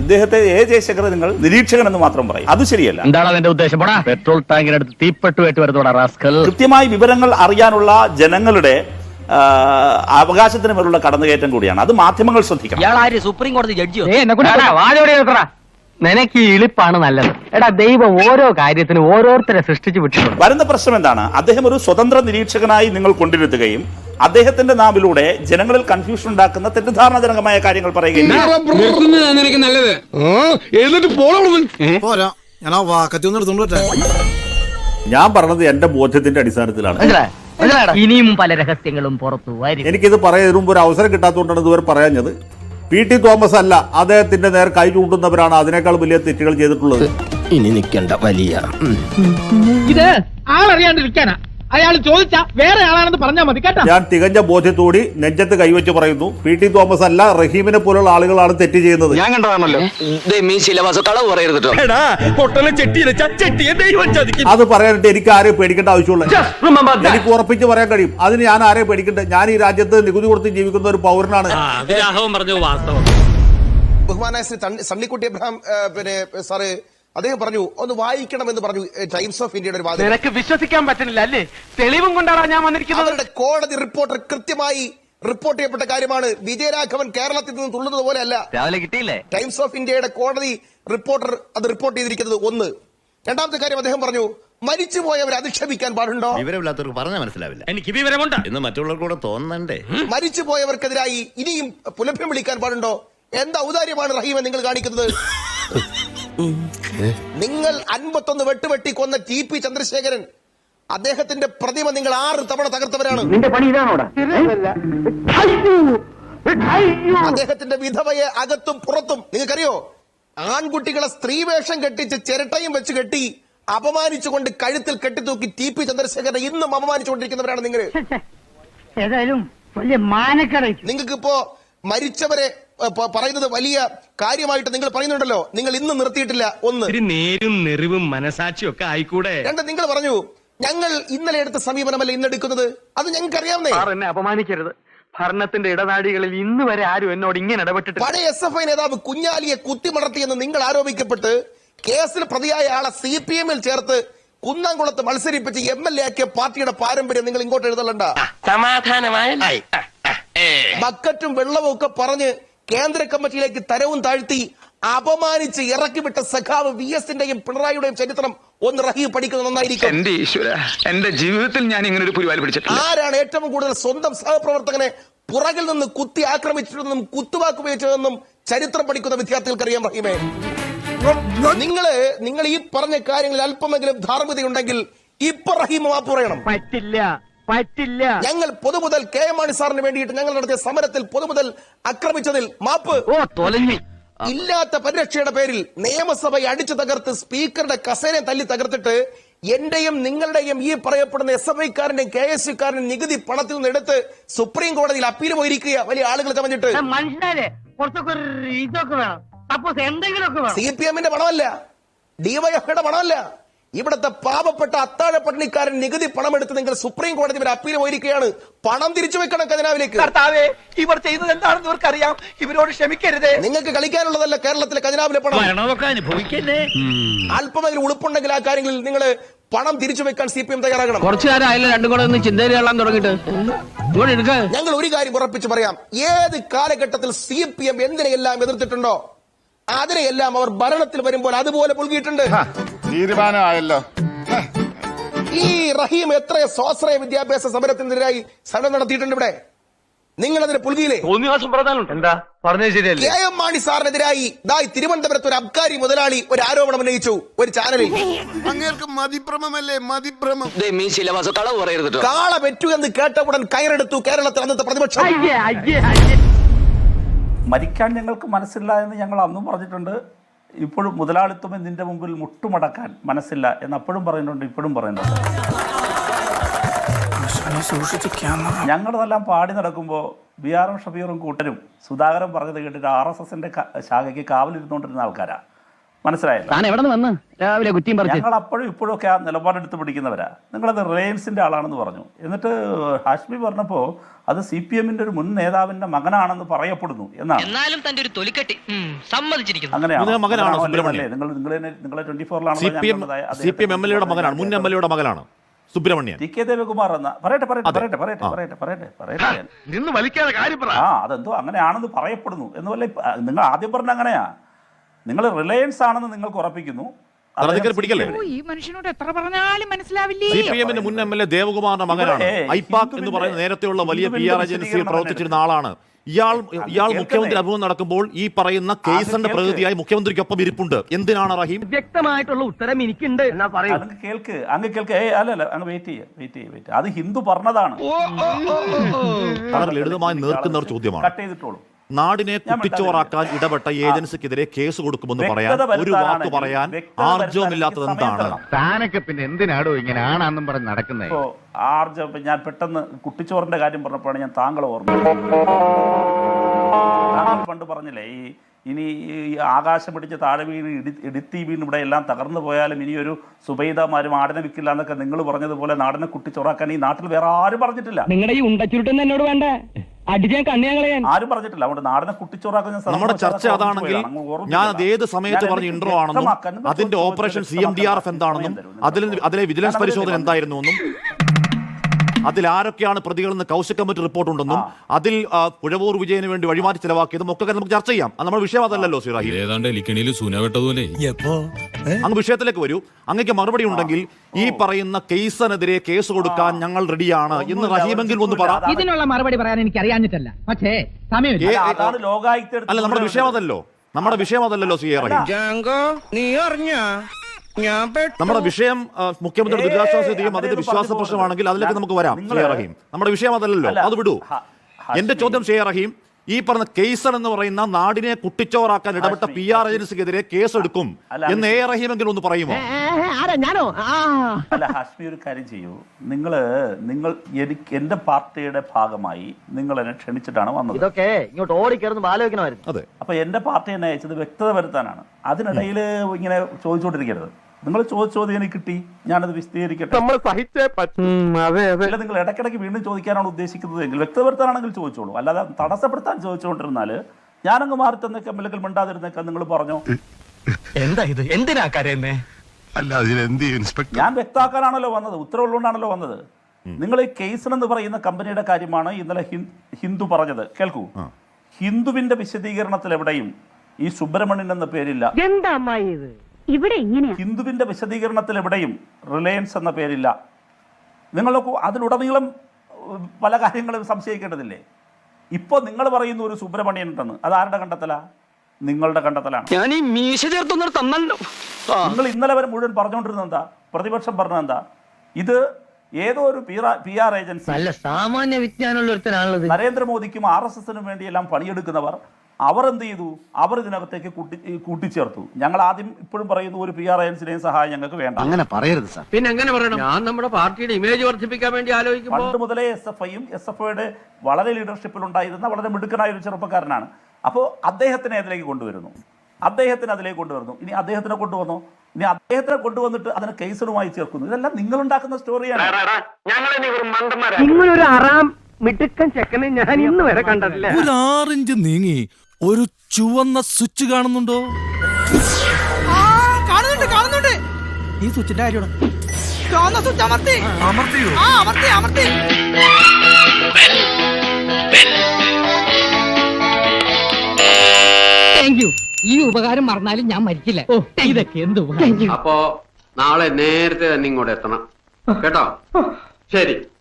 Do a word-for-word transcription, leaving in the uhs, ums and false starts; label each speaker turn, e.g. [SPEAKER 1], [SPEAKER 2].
[SPEAKER 1] ഇദ്ദേഹത്തെ എ ജയശങ്കർ നിങ്ങൾ നിരീക്ഷകൻ എന്ന് മാത്രം പറയും. അത് ശരിയല്ല.
[SPEAKER 2] എന്താണ് അതിന്റെ ഉദ്ദേശം? പെട്രോൾ ടാങ്കിനടുത്ത് തീപ്പെട്ടുമായിട്ട് വരുന്നോടാ റാസ്കൽ.
[SPEAKER 1] കൃത്യമായി വിവരങ്ങൾ അറിയാനുള്ള ജനങ്ങളുടെ അവകാശത്തിന് മേലുള്ള കടന്നുകയറ്റം കൂടിയാണ്. അത് മാധ്യമങ്ങൾ ശ്രദ്ധിക്കണം.
[SPEAKER 3] സുപ്രീം കോടതി ജഡ്ജിയോ?
[SPEAKER 2] നിനക്ക് ഈ ഇളിപ്പാണ് നല്ലത്. എടാ, ദൈവം ഓരോ കാര്യത്തിനും ഓരോരുത്തരെ സൃഷ്ടിച്ചു വിട്ടിട്ടുണ്ട്.
[SPEAKER 1] വരുന്ന പ്രശ്നം എന്താണ്? അദ്ദേഹം ഒരു സ്വതന്ത്ര നിരീക്ഷകനായി നിങ്ങൾ കൊണ്ടിരുത്തുകയും അദ്ദേഹത്തിന്റെ നാവിലൂടെ ജനങ്ങളിൽ കൺഫ്യൂഷൻ ഉണ്ടാക്കുന്ന തെറ്റിദ്ധാരണജനകമായ കാര്യങ്ങൾ പറയുകയും ഞാൻ പറഞ്ഞത് എന്റെ ബോധ്യത്തിന്റെ അടിസ്ഥാനത്തിലാണ്.
[SPEAKER 3] ഇനിയും പല രഹസ്യങ്ങളും പുറത്തു വരും.
[SPEAKER 1] എനിക്കിത് പറയാൻ മുമ്പ് ഒരു അവസരം കിട്ടാത്തതുകൊണ്ടാണ് ഇതുവരെ പറയാഞ്ഞത്. പി ടി തോമസ് അല്ല, അദ്ദേഹത്തിന്റെ നേർ കൈ ചൂണ്ടുന്നവരാണ് അതിനേക്കാൾ വലിയ തെറ്റുകൾ ചെയ്തിട്ടുള്ളത്.
[SPEAKER 4] ഇനി നിൽക്കേണ്ട വലിയ
[SPEAKER 5] ഇത് ആളറിയാണ്ടിരിക്കാനാ. അയാൾ ചോദിച്ചാ വേറെ ആളാണെന്ന് പറഞ്ഞാൽ മതി കേട്ടോ.
[SPEAKER 1] ഞാൻ തികഞ്ഞ ബോധ്യത്തോടി നെഞ്ചത്ത് കൈവച്ച് പറയുന്നു, പി ടി തോമസ് അല്ല, റഹീമിനെ പോലുള്ള ആളുകളാണ് തെറ്റ് ചെയ്യുന്നത്.
[SPEAKER 4] ഞാൻ കണ്ടതാണല്ലോ.
[SPEAKER 1] അത് പറയാനായിട്ട് എനിക്ക് ആരെയും പേടിക്കേണ്ട ആവശ്യമുള്ള, എനിക്ക് ഉറപ്പിച്ച് പറയാൻ കഴിയും. അതിന് ഞാൻ ആരെയും പേടിക്കേണ്ട. ഞാൻ ഈ രാജ്യത്ത് നികുതി കൊടുത്ത് ജീവിക്കുന്ന ഒരു പൗരനാണ്.
[SPEAKER 6] ബഹുമാനായ ശ്രീ സണ്ണിക്കുട്ടി എബ്രഹാം പിന്നെ സാറ് അദ്ദേഹം പറഞ്ഞു, ഒന്ന് വായിക്കണമെന്ന് പറഞ്ഞു ടൈംസ് ഓഫ് ഇന്ത്യയുടെ ഒരു വാദം.
[SPEAKER 5] നിനക്ക് വിശ്വസിക്കാൻ പറ്റുന്നില്ല അല്ലേ? തെളിവും കൊണ്ടാണ് ഞാൻ വന്നിരിക്കുന്നത്.
[SPEAKER 6] അവരുടെ കോടതി റിപ്പോർട്ടർ കൃത്യമായി റിപ്പോർട്ട് ചെയ്യപ്പെട്ട കാര്യമാണ്. വിജയരാഘവൻ കേരളത്തിൽ നിന്ന് തുള്ളുന്നത് പോലെയല്ല.
[SPEAKER 3] രാവിലെ കിട്ടിയില്ലേ?
[SPEAKER 6] ടൈംസ് ഓഫ് ഇന്ത്യയുടെ കോടതി റിപ്പോർട്ടർ അത് റിപ്പോർട്ട് ചെയ്തിരിക്കുന്നത് ഒന്ന്. രണ്ടാമത്തെ കാര്യം അദ്ദേഹം പറഞ്ഞു, മരിച്ചുപോയവരെ അധിക്ഷേപിക്കാൻ പാടുണ്ടോ?
[SPEAKER 4] വിവരമില്ലാത്തവർക്ക് പറഞ്ഞാൽ മനസ്സിലാവില്ല. എനിക്ക് വിവരമുണ്ട് എന്ന് മറ്റുള്ളവർക്ക് കൂടെ തോന്നണ്ടേ.
[SPEAKER 6] മരിച്ചുപോയവർക്കെതിരായി ഇനിയും പുലഭ്യം വിളിക്കാൻ പാടുണ്ടോ? എന്താ ഔദാര്യമാണ് റഹീമെ നിങ്ങൾ കാണിക്കുന്നത്? നിങ്ങൾ അൻപത്തൊന്ന് വെട്ടുവെട്ടി കൊന്ന ടി പി ചന്ദ്രശേഖരൻ, അദ്ദേഹത്തിന്റെ പ്രതിമ നിങ്ങൾ ആറ് തവണ തകർത്തവരാണ്.
[SPEAKER 2] നിന്റെ പണി ഇതാണോടാ?
[SPEAKER 6] അദ്ദേഹത്തിന്റെ വിധവയെ അകത്തും പുറത്തും നിങ്ങൾക്കറിയോ? ആൺകുട്ടികളെ സ്ത്രീവേഷം കെട്ടിച്ച് ചിരട്ടയും വെച്ച് കെട്ടി അപമാനിച്ചുകൊണ്ട് കഴുത്തിൽ കെട്ടിത്തൂക്കി ടി പി ചന്ദ്രശേഖരനെ ഇന്നും അപമാനിച്ചുകൊണ്ടിരിക്കുന്നവരാണ് നിങ്ങൾ.
[SPEAKER 5] ഏതായാലും വലിയ മാനക്കട.
[SPEAKER 6] നിങ്ങൾക്കിപ്പോ മരിച്ചവരെ പറയുന്നത് വലിയ കാര്യമായിട്ട് നിങ്ങൾ പറയുന്നുണ്ടല്ലോ. നിങ്ങൾ ഇന്ന് നിർത്തിയിട്ടില്ല. ഒന്ന്,
[SPEAKER 7] നേരും നെറിവും മനസാക്ഷിയും ഒക്കെ ആയിക്കൂടെ.
[SPEAKER 6] രണ്ട്, നിങ്ങൾ പറഞ്ഞു ഞങ്ങൾ ഇന്നലെ എടുത്ത സമീപനമല്ല ഇന്ന് എടുക്കുന്നത്. അത് ഞങ്ങൾക്ക് അറിയാവുന്നേ.
[SPEAKER 2] എന്നെ അപമാനിക്കരുത്. ഭരണത്തിന്റെ ഇടനാഴികളിൽ ഇന്ന് വരെ ആരും എന്നോട് ഇങ്ങനെ ഇടപെട്ടിട്ട്.
[SPEAKER 6] പഴയ എസ് എഫ് ഐ നേതാവ് കുഞ്ഞാലിയെ കുത്തിമടർത്തിയെന്ന് നിങ്ങൾ ആരോപിക്കപ്പെട്ട് കേസിൽ പ്രതിയായ ആളെ സി പി എമ്മിൽ ചേർത്ത് കുന്നംകുളത്ത് മത്സരിപ്പിച്ച് എം എൽ എ ആക്കിയ പാർട്ടിയുടെ പാരമ്പര്യം നിങ്ങൾ ഇങ്ങോട്ട് എഴുതലണ്ട.
[SPEAKER 3] സമാധാനമായ
[SPEAKER 6] ബക്കറ്റും വെള്ളവും ഒക്കെ പറഞ്ഞ് കേന്ദ്ര കമ്മിറ്റിയിലേക്ക് തരവും താഴ്ത്തി അപമാനിച്ച് ഇറക്കിവിട്ട സഖാവ് വി എസിന്റെയും പിണറായിയുടെയും ചരിത്രം ഒന്ന് റഹീം പഠിക്കുന്നത് നന്നായിരിക്കും.
[SPEAKER 4] എന്റെ ഈശ്വര, എന്റെ ജീവിതത്തിൽ ഞാൻ ഇങ്ങനെ ഒരു പുലിവാൽ പിടിച്ചിട്ടില്ല.
[SPEAKER 6] ആരാണ് ഏറ്റവും കൂടുതൽ സ്വന്തം സഹപ്രവർത്തകനെ പുറകിൽ നിന്ന് കുത്തി ആക്രമിച്ചിട്ടുണ്ടെന്നും കുത്തുവാക്ക് ഉപയോഗിച്ചതെന്നും ചരിത്രം പഠിക്കുന്ന വിദ്യാർത്ഥികൾക്ക് അറിയാം. റഹീമേ, നിങ്ങള് നിങ്ങൾ ഈ പറഞ്ഞ കാര്യങ്ങളിൽ അല്പമെങ്കിലും ധാർമ്മികതയുണ്ടെങ്കിൽ ഇപ്പൊ റഹീം മാപ്പ് പറയണം.
[SPEAKER 5] പറ്റില്ല പറ്റില്ല.
[SPEAKER 6] ഞങ്ങൾ പൊതുമുതൽ കെ എം മാണി സാറിന് വേണ്ടിയിട്ട് ഞങ്ങൾ നടത്തിയ സമരത്തിൽ പൊതുമുതൽ ആക്രമിച്ചതിൽ മാപ്പ്.
[SPEAKER 2] ഓ തൊലഞ്ഞി.
[SPEAKER 6] ഇല്ലാത്ത പരിരക്ഷയുടെ പേരിൽ നിയമസഭയെ അടിച്ചു തകർത്ത് സ്പീക്കറുടെ കസേരയെ തല്ലി തകർത്തിട്ട് എന്റെയും നിങ്ങളുടെയും ഈ പറയപ്പെടുന്ന എസ് എഫ് ഐക്കാരന്റെയും കെ എസ് യുക്കാരനും നികുതി പണത്തിൽ നിന്ന് എടുത്ത് സുപ്രീം കോടതിയിൽ അപ്പീൽ പോയിരിക്കുക വലിയ ആളുകൾ ചമഞ്ഞിട്ട്.
[SPEAKER 5] മനുഷ്യരെ കുറച്ചൊക്കെ ഇതൊക്കെ വേണം. സപ്പോസ് എന്തെങ്കിലുമൊക്കെ വേണം.
[SPEAKER 6] സി പി എമ്മിന്റെ പണമല്ല, ഡിവൈഎഫ്ഐയുടെ പണമല്ല, ഇവിടുത്തെ പാവപ്പെട്ട അത്താഴ പട്ടിണിക്കാരൻ നികുതി പണമെടുത്ത് നിങ്ങൾ സുപ്രീം കോടതി വരെ അപ്പീൽ പോയിരിക്കുകയാണ്. പണം തിരിച്ചു വെക്കണം ഖജനാവിലേക്ക്.
[SPEAKER 5] ഇവർ ചെയ്യുന്നത് എന്താണെന്ന് ഇവർക്കറിയാം. ഇവരോട് ക്ഷമിക്കരുത്.
[SPEAKER 6] നിങ്ങൾക്ക് കളിക്കാനുള്ളതല്ല കേരളത്തിലെ ഖജനാവിലെ പണം. അല്പമെങ്കിലും ഉളുപ്പുണ്ടെങ്കിൽ ആ കാര്യങ്ങളിൽ നിങ്ങൾ പണം തിരിച്ചു വെക്കാൻ സി പി എം തയ്യാറാകണം.
[SPEAKER 2] കുറച്ചു കാലം ആയില്ല രണ്ടും കൂടെ ഒന്ന് ചിന്തയിൽ കൊള്ളാൻ തുടങ്ങിയിട്ട്.
[SPEAKER 6] ഞങ്ങൾ ഒരു കാര്യം ഉറപ്പിച്ച് പറയാം, ഏത് കാലഘട്ടത്തിൽ സി പി എം എന്തിനെയെല്ലാം എതിർത്തിട്ടുണ്ടോ അതിനെയെല്ലാം അവർ ഭരണത്തിൽ വരുമ്പോൾ അതുപോലെ പുൽകിയിട്ടുണ്ട്.
[SPEAKER 8] തീരുമാനമായല്ലോ.
[SPEAKER 6] ഈ റഹീം എത്ര സ്വാശ്രയ വിദ്യാഭ്യാസ സമരത്തിനെതിരായി സമരം നടത്തിയിട്ടുണ്ട് ഇവിടെ. നിങ്ങൾ അതിന് പുൽകിയില്ലേ?
[SPEAKER 2] എന്താ പറഞ്ഞത് ശരിയല്ലേ?
[SPEAKER 6] കെ എം മാണി സാറിനെതിരായി ദായി തിരുവനന്തപുരത്ത് ഒരു അബ്കാരി മുതലാളി ഒരു ആരോപണം ഉന്നയിച്ചു ഒരു ചാനലിൽ.
[SPEAKER 8] അങ്ങേർക്ക് മതിഭ്രമല്ലേ മതിഭ്രമം.
[SPEAKER 6] കാള പെറ്റു എന്ന് കേട്ട ഉടൻ കയറെടുത്തു കേരളത്തിൽ അന്നത്തെ പ്രതിപക്ഷം.
[SPEAKER 1] മരിക്കാൻ ഞങ്ങൾക്ക് മനസ്സില്ല എന്ന് ഞങ്ങൾ അന്നും പറഞ്ഞിട്ടുണ്ട്. ഇപ്പോഴും മുതലാളിത്തം നിന്റെ മുമ്പിൽ മുട്ടുമടക്കാൻ മനസ്സില്ല എന്ന് അപ്പോഴും പറയുന്നുണ്ട്, ഇപ്പോഴും പറയുന്നുണ്ട്. ഞങ്ങളതെല്ലാം പാടി നടക്കുമ്പോൾ ബി ആർ എം ഷബീറും കൂട്ടരും സുധാകരൻ പറഞ്ഞത് കേട്ടിട്ട് ആർ എസ് എസിന്റെ ശാഖയ്ക്ക് കാവലിരുന്നുകൊണ്ടിരുന്ന ആൾക്കാരാ. മനസ്സിലായല്ലോ.
[SPEAKER 3] താൻ എവിടെ നിന്ന് വന്ന് രാവിലെ കുറ്റിയും പറിച്ച്
[SPEAKER 1] ഞങ്ങൾ അപ്പോഴും ഇപ്പോഴും ഒക്കെ ആ നിലപാടെടുത്ത് പിടിക്കുന്നവരാ. നിങ്ങളത് റിലയൻസിന്റെ ആളാണെന്ന് പറഞ്ഞു. എന്നിട്ട് ഹാഷ്മി പറഞ്ഞപ്പോൾ അത് സി പി എമ്മിന്റെ ഒരു മുൻ നേതാവിന്റെ മകനാണെന്ന് പറയപ്പെടുന്നു എന്നാണ്.
[SPEAKER 3] എന്നാലും തന്റെ ഒരു തൊലിക്കെട്ടി സമ്മതിച്ചിരിക്കുന്നു.
[SPEAKER 1] അങ്ങനെയാണ്
[SPEAKER 9] മകനാണോ സുബ്രഹ്മണ്യൻ?
[SPEAKER 1] നിങ്ങൾ നിങ്ങളെ നിങ്ങളെ ട്വന്റി ഫോറിലാണ്
[SPEAKER 9] C P M C P M M L എയുടെ മകനാണ്, മുൻ എം എൽ എയുടെ മകനാണ് സുബ്രഹ്മണ്യൻ.
[SPEAKER 1] ടി കെ ദേവകുമാർ എന്ന പറയട്ടെ പറയട്ടെ പറയട്ടെ പറയട്ടെ പറയട്ടെ പറയട്ടെ പറയട്ടെ
[SPEAKER 7] നിന്ന് വലിക്കാതെ കാര്യം പറ.
[SPEAKER 1] ആ അതെന്തോ അങ്ങനെയാണെന്ന് പറയപ്പെടുന്നു എന്നുവല്ല. നിങ്ങൾ ആദ്യം പറഞ്ഞ അങ്ങനെയാ. നിങ്ങൾ റിലയൻസ് ആണെന്ന് നിങ്ങൾക്ക് ഉറപ്പിക്കുന്നു.
[SPEAKER 9] പിടിക്കല്ലേ?
[SPEAKER 5] ഈ മനുഷ്യനോട് എത്ര പറഞ്ഞാലും മനസ്സിലാവില്ലേ.
[SPEAKER 9] സി പി എമ്മിന്റെ മുൻ എം എൽ എ ദേവകുമാറിന്റെ മകനാണ്. ഐപാക് എന്ന് പറയുന്ന നേരത്തെയുള്ള വലിയ പി ആർ ഏജൻസിയിൽ പ്രവർത്തിച്ചിരുന്ന ആളാണ്. ഇയാൾ ഇയാൾ മുഖ്യമന്ത്രി അഭിമുഖം നടക്കുമ്പോൾ ഈ പറയുന്ന കേസിന്റെ പ്രതിനിധിയായി മുഖ്യമന്ത്രിക്കൊപ്പം ഇരിപ്പുണ്ട്. എന്തിനാണ് റഹീം?
[SPEAKER 3] വ്യക്തമായിട്ടുള്ള ഉത്തരം എനിക്കുണ്ട് എന്നാ പറയൂ.
[SPEAKER 1] അങ്ങ് കേൾക്ക് അങ്ങ് കേൾക്ക് ഏ അല്ലല്ല അങ്ങ് വെയിറ്റ് ചെയ്യ വെയിറ്റ് ചെയ്യ വെയിറ്റ് അത് ഹിന്ദു പറഞ്ഞതാണ്.
[SPEAKER 9] വളരെ ലളിതമായി നേർക്കുന്ന ഒരു ചോദ്യമാണ്.
[SPEAKER 1] കട്ട് ചെയ്തിട്ടോളൂ.
[SPEAKER 9] നാടിനെ കുട്ടിച്ചോറാക്കാൻ ഇടപെട്ട ഏജൻസിക്കെതിരെ കേസ് കൊടുക്കുമെന്ന് പറയാൻ ഒരു വാക്ക് പറയാൻ ആർജവമില്ലാത്തത് എന്താണ്?
[SPEAKER 10] താനൊക്കെ പിന്നെ എന്തിനാടോ ഇങ്ങനെ ആണാന്നും പറഞ്ഞ് നടക്കുന്നത്?
[SPEAKER 1] ഇപ്പോ ആർജവം ഞാൻ പെട്ടെന്ന് കുട്ടിച്ചോറിന്റെ കാര്യം പറഞ്ഞപ്പോഴാണ് ഞാൻ താങ്കളെ ഓർമ്മ. താങ്കൾ പണ്ട് പറഞ്ഞില്ലേ ഈ ഇനി ഈ ആകാശം പിടിച്ച് താഴെ വീണ് ഇടി ഇടുത്തി വീണ് ഇവിടെ എല്ലാം തകർന്നു പോയാലും ഇനി ഒരു സുബൈദമാരും ആടിനെ വിൽക്കില്ല എന്നൊക്കെ നിങ്ങൾ പറഞ്ഞതുപോലെ നാടിനെ കുട്ടിച്ചോറാക്കാൻ ഈ നാട്ടിൽ വേറെ ആരും പറഞ്ഞിട്ടില്ല.
[SPEAKER 5] നിങ്ങളുടെ ഈ ഉണ്ടച്ചുരുട്ടെന്ന് എന്നോട് വേണ്ട, അടിച്ചാൻ കണ്ണിയാൻ
[SPEAKER 1] ആരും പറഞ്ഞിട്ടില്ല. അതുകൊണ്ട് നാടിനെ കുട്ടിച്ചോറാക്കുന്ന
[SPEAKER 9] നമ്മുടെ ചർച്ച അതാണെങ്കിൽ ഞാൻ അത് ഏത് സമയത്ത് പറഞ്ഞ ഇൻട്രോ ആണെന്നും അതിന്റെ operation C M D R F എന്താണെന്നും അതിൽ അതിലെ വിജിലൻസ് പരിശോധന എന്തായിരുന്നു എന്നും അതിൽ ആരൊക്കെയാണ് പ്രതികളെന്ന് കൗശിക് കമ്മിറ്റി റിപ്പോർട്ട് ഉണ്ടെന്നും അതിൽ പുഴവൂർ വിജയന് വേണ്ടി വഴിമാറ്റി ചെലവാക്കിയതും ഒക്കെ നമുക്ക് ചർച്ച ചെയ്യാം. അത് നമ്മുടെ വിഷയം അതല്ലല്ലോ സിറാഹി. അങ്ങ് വിഷയത്തിലേക്ക് വരൂ. അങ്ങക്ക് മറുപടി ഉണ്ടെങ്കിൽ ഈ പറയുന്ന കേസിനെതിരെ കേസ് കൊടുക്കാൻ ഞങ്ങൾ റെഡിയാണ് എന്ന് റഹീമെങ്കിൽ ഒന്ന് പറ.
[SPEAKER 5] ഇതിനുള്ള മറുപടി പറയാൻ എനിക്ക് അറിയാഞ്ഞിട്ടല്ല, പക്ഷേ സമയമില്ല.
[SPEAKER 9] അല്ല നമ്മുടെ വിഷയം അതല്ലോ നമ്മുടെ വിഷയം അതല്ലല്ലോ സി എ റഹീം. നമ്മുടെ വിഷയം മുഖ്യമന്ത്രി ദുരിതാശ്വാസ നിധിയും അതിന്റെ വിശ്വാസ പ്രശ്നമാണെങ്കിൽ അതിലേക്ക് നമുക്ക് വരാം. സി എ റഹീം നമ്മുടെ വിഷയം അതല്ലല്ലോ, അത് വിടൂ. എന്റെ ചോദ്യം സി എ റഹീം, ഈ പറഞ്ഞ കേസർ എന്ന് പറയുന്ന നാടിനെ കുട്ടിച്ചോറാക്കാൻ ഇടപെട്ട പി ആർ ഏജൻസിക്കെതിരെ കേസ് എടുക്കും എന്ന് എ റഹീമെങ്കിലും ഒന്ന് പറയുമോ?
[SPEAKER 1] അല്ല ഹാഷ്മി ഒരു കാര്യം ചെയ്യൂ. നിങ്ങള് നിങ്ങൾ എനിക്ക് എന്റെ പാർട്ടിയുടെ ഭാഗമായി നിങ്ങൾ എന്നെ ക്ഷണിച്ചിട്ടാണ് വന്നത്.
[SPEAKER 3] ഇതൊക്കെ ഇങ്ങോട്ട് ഓടിക്കയറുന്ന ആലോചിക്കണമായിരുന്നു.
[SPEAKER 9] അതെ.
[SPEAKER 1] അപ്പൊ എന്റെ പാർട്ടി എന്നെ അയച്ചത് വ്യക്തത വരുത്താനാണ്. അതിനിടയിൽ ഇങ്ങനെ ചോദിച്ചുകൊണ്ടിരിക്കരുത്. നിങ്ങൾ ചോദിച്ച ചോദ്യം എനിക്ക് കിട്ടി, ഞാനത് വിശദീകരിക്കട്ടെ. അല്ല നിങ്ങൾ ഇടയ്ക്കിടയ്ക്ക് വീണ്ടും ചോദിക്കാനാണ് ഉദ്ദേശിക്കുന്നത് എങ്കിൽ വ്യക്തത വരുത്താനാണെങ്കിൽ ചോദിച്ചോളൂ. അല്ലാതെ തടസ്സപ്പെടുത്താൻ ചോദിച്ചുകൊണ്ടിരുന്നാല് ഞാനങ്ങ് മാറി തന്നേക്കാം, അല്ലെങ്കിൽ മിണ്ടാതിരുന്നേക്കാം. നിങ്ങൾ പറഞ്ഞോ
[SPEAKER 3] എന്താ ഇത്? എന്തിനാ കരയുന്നേ?
[SPEAKER 1] ഞാൻ വ്യക്തമാക്കാനാണല്ലോ വന്നത്, ഉത്തരവുള്ളതുകൊണ്ടാണല്ലോ വന്നത്. നിങ്ങൾ ഈ കേസൺ എന്ന് പറയുന്ന കമ്പനിയുടെ കാര്യമാണ് ഇന്നലെ ഹിന്ദു പറഞ്ഞത്. കേൾക്കൂ, ഹിന്ദുവിന്റെ വിശദീകരണത്തിൽ എവിടെയും ഈ സുബ്രഹ്മണ്യൻ എന്ന പേരില്ല.
[SPEAKER 11] എന്താ ഇത് ഇവിടെ ഇങ്ങനെ?
[SPEAKER 1] ഹിന്ദുവിന്റെ വിശദീകരണത്തിൽ എവിടെയും റിലയൻസ് എന്ന പേരില്ല. നിങ്ങളൊക്കെ അതിലുടനീളം പല കാര്യങ്ങളും സംശയിക്കേണ്ടതില്ലേ? ഇപ്പൊ നിങ്ങൾ പറയുന്ന ഒരു സുബ്രഹ്മണ്യൻ ഉണ്ടെന്ന്, അത് ആരുടെ കണ്ടെത്തലാ? നിങ്ങളുടെ കണ്ടെത്തലാണ്.
[SPEAKER 3] ഞാൻ ഈ മീശ ചേർത്തൊന്നും തന്നല്ലോ.
[SPEAKER 1] നിങ്ങൾ ഇന്നലെ വരെ മുഴുവൻ പറഞ്ഞുകൊണ്ടിരുന്നത് എന്താ? പ്രതിപക്ഷം പറഞ്ഞത് എന്താ? ഇത് ഏതോ ഒരു പി ആർ ഏജൻസി,
[SPEAKER 3] നല്ല സാമാന്യ വിജ്ഞാനമുള്ള ഒരുത്തനാണുള്ളത്.
[SPEAKER 1] നരേന്ദ്രമോദിക്കും ആർ എസ് എസിനും വേണ്ടിയെല്ലാം പണിയെടുക്കുന്നവർ, അവർ എന്ത് ചെയ്തു? അവർ ഇതിനകത്തേക്ക് കൂട്ടി കൂട്ടിച്ചേർത്തു. ഞങ്ങൾ ആദ്യം ഇപ്പോഴും പറയുന്നു ഒരു പി ആർ ഏജൻസിയുടെയും സഹായം ഞങ്ങൾക്ക് വേണ്ട.
[SPEAKER 10] അങ്ങനെ പറയരുത് സാർ.
[SPEAKER 2] പിന്നെ എങ്ങനെ പറയണം? ഞാൻ നമ്മുടെ പാർട്ടിയുടെ ഇമേജ് വർദ്ധിപ്പിക്കാൻ വേണ്ടി ആലോചിക്കുമ്പോൾ
[SPEAKER 1] പണ്ട് മുതലേ എസ് എഫ് ഐയും എസ് എഫ് ഐയുടെ വളരെ ലീഡർഷിപ്പിൽ ഉണ്ടായിരുന്ന വളരെ മിടുക്കനായ ഒരു ചെറുപ്പക്കാരനാണ്. അപ്പോൾ അദ്ദേഹത്തിനെ അതിലേക്ക് കൊണ്ടുവരുന്നു, അദ്ദേഹത്തിന് അതിലേക്ക് കൊണ്ടുവരുന്നു. ഇനി അദ്ദേഹത്തിനെ കൊണ്ടുവന്നോ? ഇനി അദ്ദേഹത്തിനെ കൊണ്ടുവന്നിട്ട് അതിനെ കേസുമായി ചേർക്കുന്നു. ഇതെല്ലാം നിങ്ങൾ ഉണ്ടാക്കുന്ന സ്റ്റോറിയാണ്.
[SPEAKER 2] നിങ്ങളൊരു അറാം മിടുക്കൻ ചെക്കനെ ഞാൻ ഇന്ന് വരെ കണ്ടിട്ടില്ല.
[SPEAKER 12] ഒരു ആറിഞ്ച് നീങ്ങി ഒരു ചുവന്ന സ്വിച്ച് കാണുന്നുണ്ടോ?
[SPEAKER 5] കാണുന്നുണ്ട് കാണുന്നുണ്ട്.
[SPEAKER 12] ഈ സ്വിച്ചിന്റെ കാര്യമാണ്.
[SPEAKER 5] ചുവന്ന സ്വിച്ച് അമർത്തി
[SPEAKER 12] അമർത്തിയോ?
[SPEAKER 5] ആ അമർത്തി അമർത്തി. Thank you. ഈ ഉപകാരം മറന്നാലും ഞാൻ മരിക്കില്ല. ഓ ഇതൊക്കെ എന്ത് ഉപകാരം.
[SPEAKER 2] അപ്പോ നാളെ നേരത്തെ തന്നെ ഇങ്ങോട്ട് എത്തണം കേട്ടോ. ശരി.